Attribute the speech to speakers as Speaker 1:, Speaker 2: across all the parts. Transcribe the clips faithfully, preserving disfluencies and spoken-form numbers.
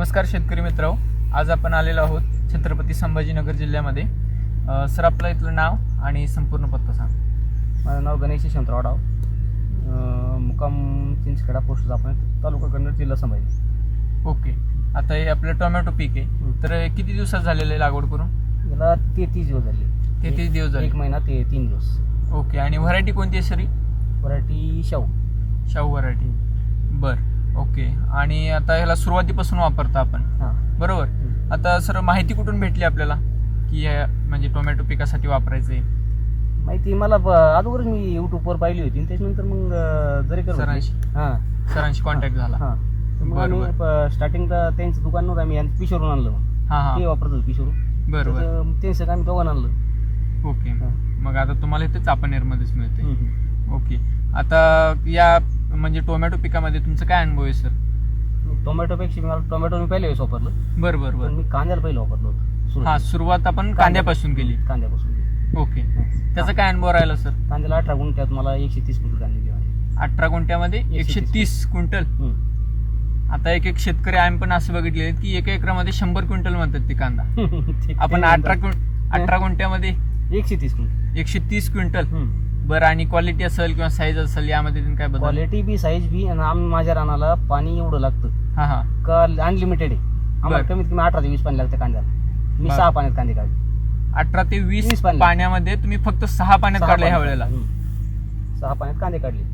Speaker 1: नमस्कार शेतकरी मित्रांनो, आज आपण आलेलो आहोत छत्रपती संभाजीनगर जिल्ह्यामध्ये. सर आपलं इथलं नाव आणि संपूर्ण पत्ता सांग.
Speaker 2: माझं नाव गणेश यशवंतराव डाव, मुक्काम चिंचखेडा, पोस्ट आपण तालुका कन्नड, जिल्हा संभाजी.
Speaker 1: ओके. आता हे आपलं टोमॅटो पीक आहे, तर किती दिवसात झालेलं आहे लागवड करून?
Speaker 2: याला तेहतीस दिवस झाले.
Speaker 1: तेहतीस दिवस झाले,
Speaker 2: एक महिना ते तीन दिवस.
Speaker 1: ओके. आणि व्हरायटी कोणती आहे सरी?
Speaker 2: व्हरायटी शाहू.
Speaker 1: शाहू व्हरायटी. बर, ओके. आणि आता ह्याला सुरुवातीपासून वापरता आपण,
Speaker 2: हां
Speaker 1: बरोबर. आता सर माहिती कुठून भेटली आपल्याला की हे म्हणजे टोमॅटो पिकासाठी वापरायचं आहे?
Speaker 2: माहिती मला अगोदर मी यूट्यूबवर पाहिली होती आणि त्याच्यानंतर मग जरी कर
Speaker 1: सरांशी
Speaker 2: हां
Speaker 1: सरांशी कॉन्टॅक्ट झाला.
Speaker 2: हां मग आम्ही स्टार्टिंगला त्यांचं दुकान नव्हतं, आम्ही यांचं पिशवरून आणलं. मग
Speaker 1: हां हां
Speaker 2: ते वापरत होतं पिशवरून.
Speaker 1: बरोबर.
Speaker 2: त्यांचं आम्ही दोघांना आणलं.
Speaker 1: ओके. मग आता तुम्हाला इथे चापानेरमध्येच मिळते. ओके. आता या म्हणजे टोमॅटो पिकामध्ये तुमचं काय अनुभव आहे सर?
Speaker 2: टोमॅटोपेक्षा मला टोमॅटो मी पहिल्या वेळेस वापरलं.
Speaker 1: बरं बरं बरं.
Speaker 2: मी कांद्याला पहिलं वापरलं होतं.
Speaker 1: हां, सुरुवात आपण कांद्यापासून केली.
Speaker 2: कांद्यापासून.
Speaker 1: ओके. त्याचा काय अनुभव राहिला सर?
Speaker 2: कांद्याला अठरा गुंठ्यात मला एकशे तीस क्विंटल कांदे दिले.
Speaker 1: अठरा गुंठ्यामध्ये एकशे तीस क्विंटल. आता एक एक शेतकरी आम्ही पण असं बघितले की एका एकरामध्ये शंभर क्विंटल म्हणतात ते कांदा. आपण अठरा अठरा गुंठ्यामध्ये
Speaker 2: एकशे तीस क्विंटल
Speaker 1: एकशे तीस क्विंटल. बरं. आणि क्वालिटी असेल किंवा साईज असेल यामध्ये काय बदल?
Speaker 2: क्वालिटी बी साईज बी. आणि आम्ही माझ्या रानाला पाणी एवढं लागतं
Speaker 1: हां हां
Speaker 2: का अनलिमिटेड आहे. आम्हाला कमीत कमी अठरा ते वीस पाणी लागतं कांद्याला. मी सहा पाण्यात कांदे काढले.
Speaker 1: अठरा ते वीस पाण्यामध्ये तुम्ही फक्त सहा पाण्यात काढले ह्या वेळेला?
Speaker 2: सहा पाण्यात कांदे काढले.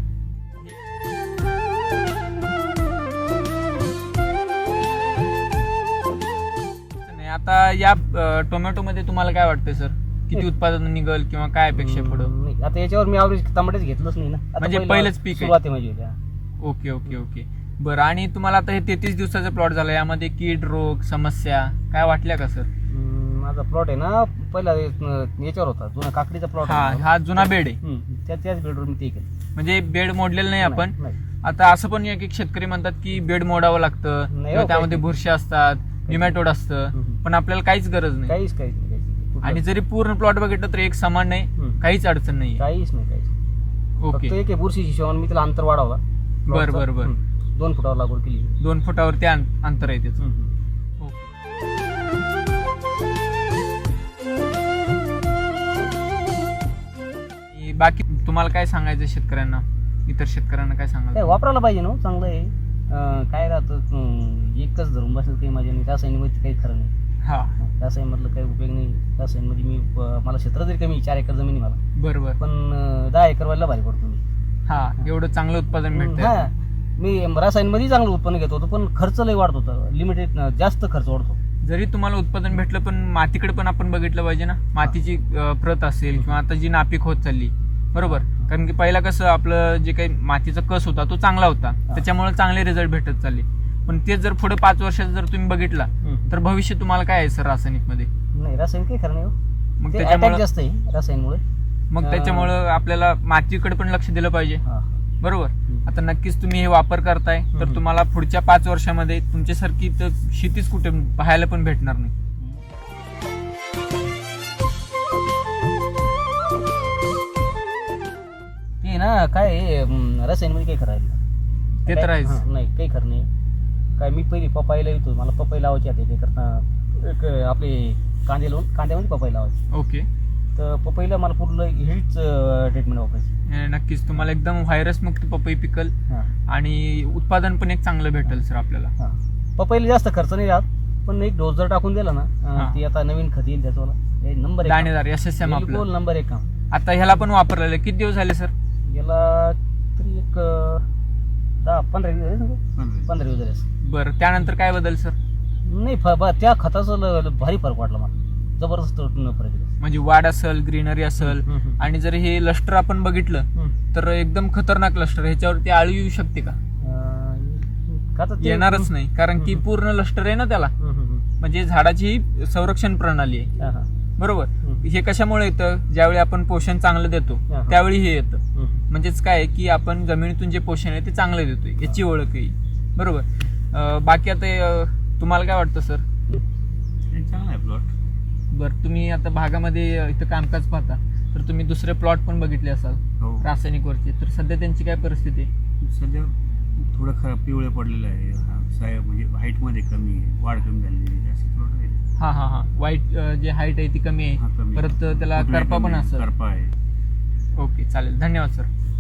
Speaker 1: आता या टोमॅटो मध्ये तुम्हाला काय वाटतं सर, किती उत्पादन निघल किंवा काय अपेक्षा पुढं?
Speaker 2: आता याच्यावर मी ॲव्हरेज टमाटेच घेतलंच नाही ना,
Speaker 1: म्हणजे पहिलंच पीक
Speaker 2: सुरुवात आहे माझी.
Speaker 1: Okay okay okay. बरं. आणि तुम्हाला आता हे तेहतीस दिवसाचा प्लॉट झाला, यामध्ये कीड रोग समस्या काय वाटल्या का सर?
Speaker 2: माझा प्लॉट आहे ना पहिला याच्यावर होता, जुना काकडीचा प्लॉट.
Speaker 1: हा हा जुना बेड आहे.
Speaker 2: त्या त्याच बेडवर मी ते केलं.
Speaker 1: म्हणजे बेड मोडलेलं नाही आपण. आता असं पण एक एक शेतकरी म्हणतात की बेड मोडावं लागतं किंवा त्यामध्ये बुरशी असतात, निमॅटोड असतं, पण आपल्याला काहीच गरज नाही.
Speaker 2: काहीच काहीच नाही.
Speaker 1: आणि जरी पूर्ण प्लॉट बघितलं तर एक समान नाही, काहीच अडचण नाही.
Speaker 2: काहीच नाही काहीच.
Speaker 1: ओके.
Speaker 2: एक बुरशीची शिवाय मी त्याला अंतर वाढवला.
Speaker 1: बर बर बर.
Speaker 2: दोन फुटावर लागवड केली.
Speaker 1: दोन फुटावरती अंतर आहे त्याचं. बाकी तुम्हाला काय सांगायचं शेतकऱ्यांना, इतर शेतकऱ्यांना काय सांगायचं?
Speaker 2: वापरायला पाहिजे ना, चांगलं आहे. काय राहतं एकच धरून बसेल काही माझ्या नाही. रासायनिकमध्ये काही खरं नाही.
Speaker 1: हा,
Speaker 2: रासायनमधलं काही उपयोग नाही. रासायनमध्ये मी मला क्षेत्र जरी कमी, चार एकर जमिनी मला,
Speaker 1: बरोबर,
Speaker 2: पण दहा एकर व्हायला भारी पडतो मी.
Speaker 1: हा, एवढं चांगलं उत्पादन भेटतं.
Speaker 2: हा, मी रासायनमध्ये चांगलं उत्पन्न घेत होतो, पण खर्च लई वाढत होता. लिमिटेड जास्त खर्च वाढतो.
Speaker 1: जरी तुम्हाला उत्पादन भेटलं पण मातीकडे पण आपण बघितलं पाहिजे ना. मातीची प्रत असेल किंवा आता जी नापीक होत चालली, बरोबर. कारण की पहिला कसं आपलं जे काही मातीचा कस होता तो चांगला होता, त्याच्यामुळे चांगले रिझल्ट भेटत चालले. पण तेच जर पुढे पाच वर्षात जर तुम्ही बघितला तर भविष्य तुम्हाला काय आहे सर रासायनिक मध्ये?
Speaker 2: नाही, रासायनिक काही खरं नाही.
Speaker 1: मग त्याच्यामुळे
Speaker 2: जास्त आहे रासायनमुळे.
Speaker 1: मग त्याच्यामुळं आपल्याला मातीकडे पण लक्ष दिलं पाहिजे, बरोबर. आता नक्कीच तुम्ही हे वापर करताय तर तुम्हाला पुढच्या पाच वर्षामध्ये तुमच्यासारखी तर शेतीच कुठे पाहायला पण भेटणार नाही.
Speaker 2: ते ना काय रासायनमध्ये काही खरं आहे
Speaker 1: ते तर आहेच.
Speaker 2: नाही, काही खरं नाही. काय मी पहिली पपाईला येतो, मला पपई लावायची आता. एक करता एक आपले कांदे लावून कांद्यामध्ये पपई लावायची.
Speaker 1: ओके.
Speaker 2: तर पपईला मला पूर्ण हेच ट्रीटमेंट वापरायची.
Speaker 1: नक्कीच तुम्हाला एकदम व्हायरस मुक्त पपई पिकल आणि उत्पादन पण एक चांगलं भेटेल सर आपल्याला.
Speaker 2: पपईला जास्त खर्च नाही राहत, पण एक डोस जर टाकून दिला ना, ती आता नवीन खत येईल त्याच्यावाला नंबर एक
Speaker 1: दाणेदार एस एस एम आपलं
Speaker 2: नंबर एक काम.
Speaker 1: आता ह्याला पण वापरलेलं किती दिवस झाले सर?
Speaker 2: याला तरी एक दहा पंधरा दिवस पंधरा दिवस झाले.
Speaker 1: बरं, त्यानंतर काय बदल सर?
Speaker 2: नाही, त्या खताचं भारी फरक वाटला मला, जबरदस्त फरक.
Speaker 1: म्हणजे वाढ असेल, ग्रीनरी असेल, आणि जर हे लष्टर आपण बघितलं तर एकदम खतरनाक लष्टर. ह्याच्यावरती आळू येऊ शकते का? येणारच नाही, कारण की पूर्ण लष्टर आहे ना त्याला. म्हणजे झाडाची संरक्षण प्रणाली आहे, बरोबर. हे कशामुळे येतं? ज्यावेळी आपण पोषण चांगलं देतो त्यावेळी हे येतं. म्हणजेच काय की आपण जमिनीतून जे पोषण आहे ते चांगलं देतोय, याची ओळख आहे, बरोबर. बाकी आता तुम्हाला काय वाटतं सर?
Speaker 3: चांगला आहे प्लॉट.
Speaker 1: बरं, तुम्ही आता भागामध्ये इथं कामकाज पाहता तर तुम्ही दुसरे प्लॉट पण बघितले असाल रासायनिक वरचे, तर सध्या त्यांची काय परिस्थिती आहे?
Speaker 3: सध्या थोडं खराब पिवळे पडलेलं आहे हा साय म्हणजे हाईटमध्ये कमी आहे वाढ कमी झालेली आहे जास्त प्लॉट आहे
Speaker 1: हा हा हा वाईट जे हाईट आहे ती कमी
Speaker 3: हा
Speaker 1: आहे
Speaker 3: कमी
Speaker 1: परत त्याला
Speaker 3: फुटवे
Speaker 1: करपा
Speaker 3: कमी
Speaker 1: पण
Speaker 3: आहे,
Speaker 1: असेल.
Speaker 3: करपा आहे.
Speaker 1: ओके चालेल धन्यवाद सर.